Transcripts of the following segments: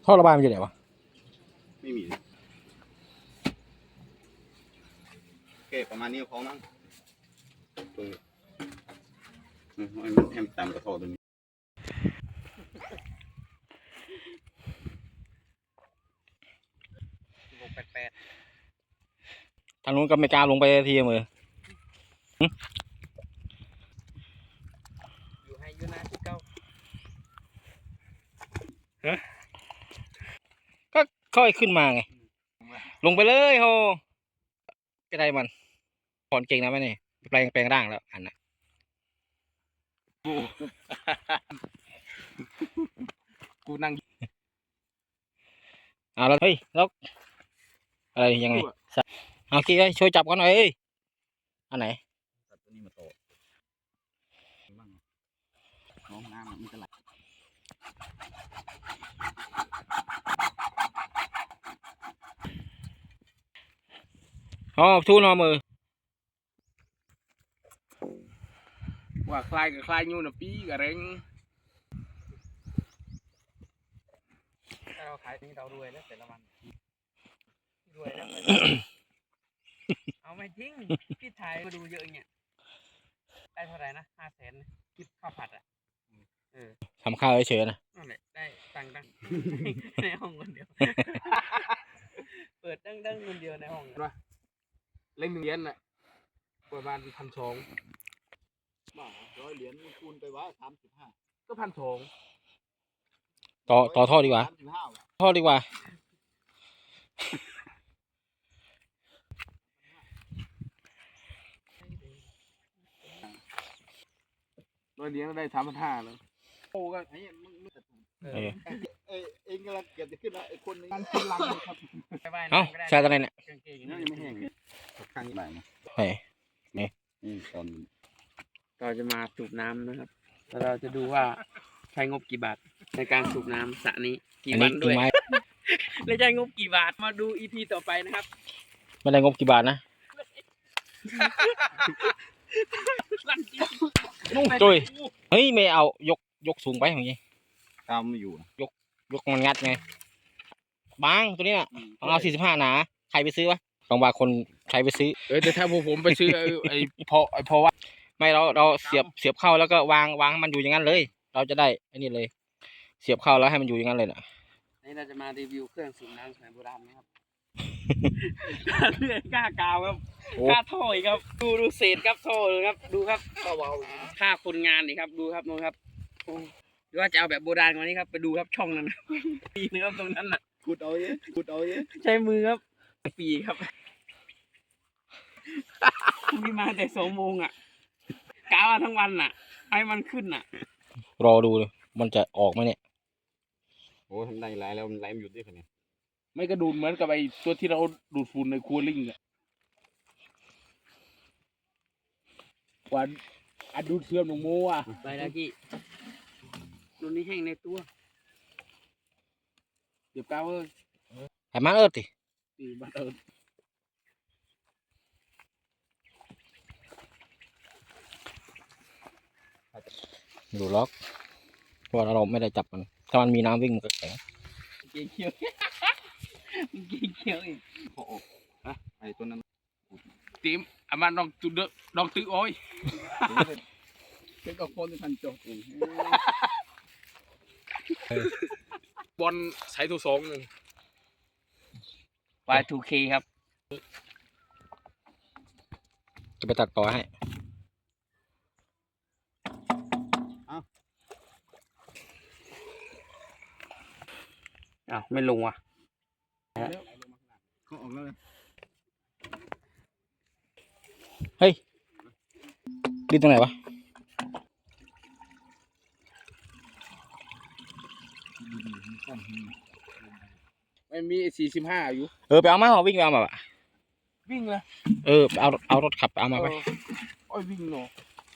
ท่อระบายมันอยู่ไหนวะไม่มีโอเคประมาณนี้พอมั้งตัวให้มันตามกระโถตัวนี้ลงแปดทางนู้นก็ไม่กล้าลงไปทีมืออยู่ให้ยูนาที่เก้าก็ค่อยขึ้นมาไงลงไปเลยโฮก็ได้มันถอนเก่งนะไหมนี่แปลงร่างแล้วอันน่ะกูนั่งเอาแล้วเฮ้ยแล้วอะไรยังไงเอาคิดไว้ช่วยจับกันหน่อยเอ้ยอันไหนตัวนี้มาโตน้องน้ำมันจะไหลอ๋อทูนอมือว่าคลายกับคลายยูน่ะปีกับเร่งถ้าเราขายนี้เรารวยแล้วแต่ละวันรวยแล้วเอาไม่จริงพี่ถ่ายมาดูเยอะเนี่ยได้เท่าไหร่นะ500,000คิดข้าวผัดอ่ะทำข้าวเฉยๆนะนั่นแหละได้ตังค์ในห้องคนเดียวเปิดดังคนเดียวในห้องว่าเล่น1 เหรียญน่ะประมาณ1,200 บ้า100 เหรียญคูณไปว่า35 ก็1,200 ต่อท่อดีกว่าท่อดีกว่า 100 เหรียญได้3,500เลยโอ้ก็ไอ้เองกำลังเก็บจะขึ้นแล้วไอ้คนนี้มันขึ้นลังเลยครับเอ้าใช่ตอนไหนเนี่ยยังไม่แห้งข้างนี้ไหนนะนี่ตอนเราจะมาสูบน้ำนะครับแล้วเราจะดูว่าใช้งบกี่บาทในการสูบน้ำสระนี้กี่วันด้วยและใช้งบกี่บาทมาดู EP ต่อไปนะครับไม่ได้งบกี่บาทนะจุ้ยเฮ้ยไม่เอายกสูงไปอย่างงี้ตามไม่อยู่ยกมันงัดไงบางตัวนี้น่ะต้องเอา45หนาใครไปซื้อวะบางคนใครไปซื้อแต่ถ้าผมไปซื้อไอ้พอว่าไม่เราเสียบเข้าแล้วก็วางให้มันอยู่อย่างนั้นเลยเราจะได้อันนี้เลยเสียบเข้าแล้วให้มันอยู่อย่างนั้นเลยน่ะนี่เราจะมารีวิวเครื่องสูบน้ำสมัยโบราณนะครับเลื่อยก้ากาวครับก้าท่ออีกครับดูเศษครับท่อเลยครับดูครับค่าคนงานนี่ครับดูครับน้องครับหรือว่าจะเอาแบบโบราณกว่านี้ครับไปดูครับช่องนั้นปีนะครับตรงนั้นน่ะขุดเอาเยอะใช้มือครับปีครับมีมาแต่2 โมงอ่ะกาวทั้งวันน่ะให้มันขึ้นน่ะรอดูเลยมันจะออกไหมเนี่ยโอ้ทำได้ไหลแล้วมันไหลไม่หยุดด้วยคนนี้ไม่กระดูดเหมือนกับไอ้ตัวที่เราดูดฝุ่นในคูลิ่งอ่ะวันดูดเสื่อมหนุ่มโมอ่ะไปแล้วกี้ตัวนี้แห้งในตัวเดี๋ยวก้าวให้มันติมันดูล็อกเพราะเราไม่ได้จับมันถ้ามันมีน้ำวิ่งมันก็แข็งเกี่ยวเกี่ยวอีกโอ้ไอ้ตัวนั้นทีมอามันลองตื้อโอ้ยเป็นกับคนที่ทันจบเองบอลใช้ตัว2 1 Y2K ครับจะไปตัดต่อให้ไม่ลงว่ะเขาออกแล้วเฮ้ยดิ้นตรงไหนวะมันมี45อยู่ไปเอามาวิ่งไปเอามาบ่ะวิ่งเลยเอารถขับเอามาไปโอ้ยวิ่งเนาะ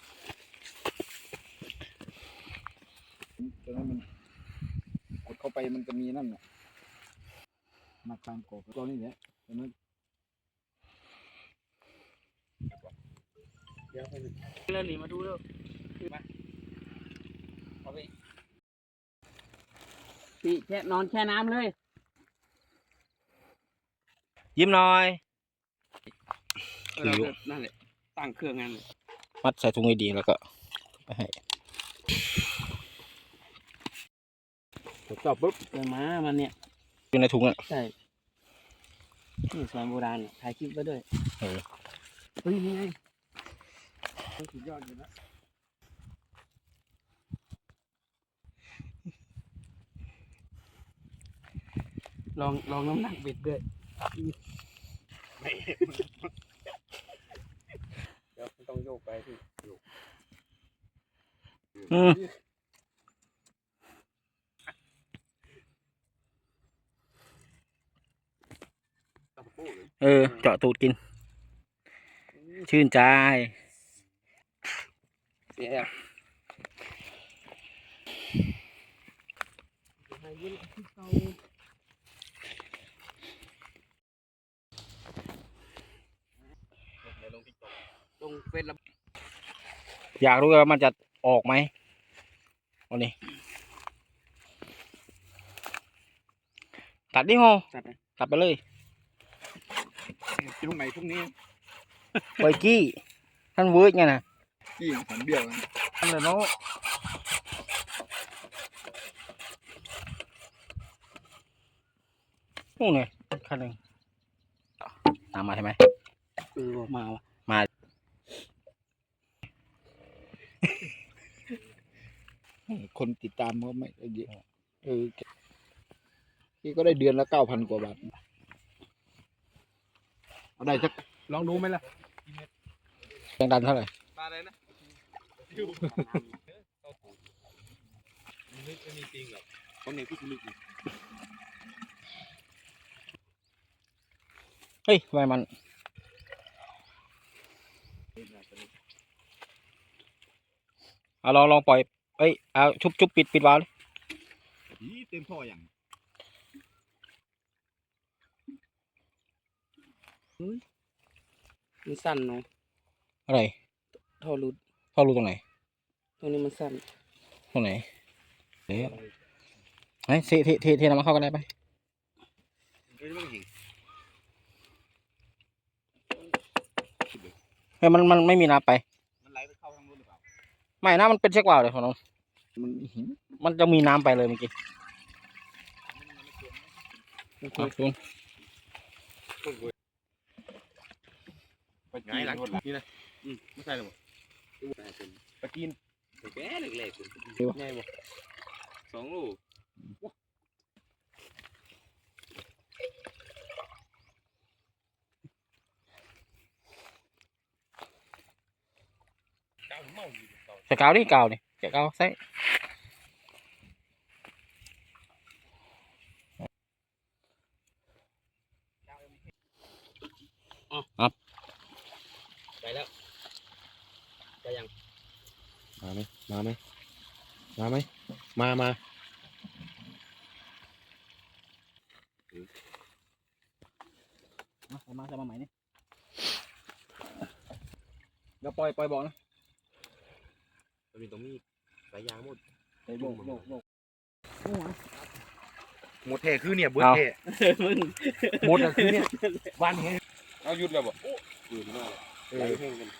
ตอนนั้นมันกดเข้าไปมันจะมีนั่นน่ะมาตามกบตัวนี้แหละตอนนั้นเดี๋ยวเรื่องนี้มาดูเร็วมาเอาไปพี่แช่นอนแช่น้ำเลยยิ้มหน่อยเราก็นั่นแหละตั้งเครื่องงั้นเลยมัดใส่ถุงให้ดีแล้วก็ไปให้จอบปุ๊บเจอม้ามันเนี่ยอยู่ในถุงอ่ะใช่นี่สมัยโบราณถ่ายคลิปไว้ด้วยเออเฮ้ยนี่ไงสุดยอดอยู่นะลองน้ำหนักเบ็ดด้วยเดี๋ยวต้องโยกไปพี่อืมเจาะตูดกิน ชื่นใจเสียแล้วลงเฟซแล้วอยากรู้ว่ามันจะออกไหมวันนี้ตัดดิโฮจัดนะตัดไปเลยตรงไหนพวกนี้ไวกี้ท่านเวิร์ดไงนะที่หันเบี้ยวนะนั่นเลยเนาะนู่นไงคันหนึ่งตามมาใช่ไหมมาวะคนติดตามก็ไม่เยอะพี่ก็ได้เดือนละ9,000 กว่าบาทเอาได้สักลองดูไหมล่ะแรงดันเท่าไหร่ปลาอะไรนะไม่มีจริงหรอกคนนี้พี่ลึกเฮ้ยทำไมมันเอาลองปล่อยเอ้ยเอาชุบปิดวาล์วดิเต็มท่ออย่างมันสั้นเนาะอะไรท่อรูดเข้ารูตรงไหนตรงนี้มันสั้นตรงไหนเดี๋ยวไอ้เทน้ำมันเข้ากันได้ไหมเฮ้ยมันไม่มีน้ำไปมันไหลไปเข้าทางนู้นหรือเปล่าไม่นะมันเป็นเช็คว่าวเลยของน้องมันหินมันจะมีน้ำไปเลยเมื่อกี้โอเคเอาคุณไปง่ายหลังนี่นะไม่ใช่หรอปลาจีนแก่เล็กๆง่ายบ่2 ลูกใส่กาวดิกาวนี่ใส่กาวใส่ไปแล้วไปยังมาไหมมามาใส่มาใหม่นี่แล้วปล่อยบอกนะมันมีตรงนี้สายยางหมดโบกหมดแท้คือเนี่ยเบิร์ดแท้มึงหมดอะคือเนี่ยวันนี้เอาหยุดแล้วบ่อยู่มากไหลแห้งกัน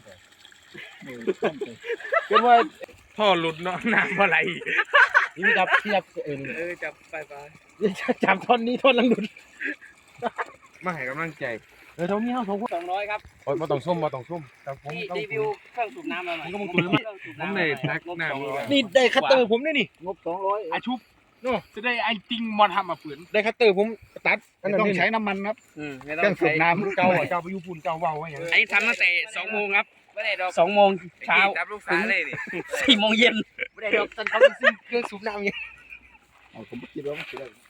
เป็นว่าท่อหลุดเนาะน้ำอะไรนี่จับจับไปจับท่อนนี้ท่อนลังดุดมาให้กำลังใจเท่านี้เขา 200ครับโอ้ยมาต้องส้มแต่ผมที่รีวิวเครื่องสูบน้ำมาหน่อยผมเลยทักหน้ามีนี่ได้คัตเตอร์ผมด้วยนี่งบ200 อาชุบโน่จะได้ไอ้จริงมอนทำมาฝืนได้คัตเตอร์ผมตัดต้องใช้น้ำมันครับไม่เครื่องสูบน้ำเจ้าเจ้าไปยูปุ่นเจ้าเบาไว้อย่างไอ้ทำตั้งแต่2 โมงครับไม่ได้ดอก2 โมงเช้าจับลูกสาวเลยนี่ 4 โมงเย็นไม่ได้ดอกตันเขาซื้อเครื่องสูบน้ำยังผมคิดว่ามัน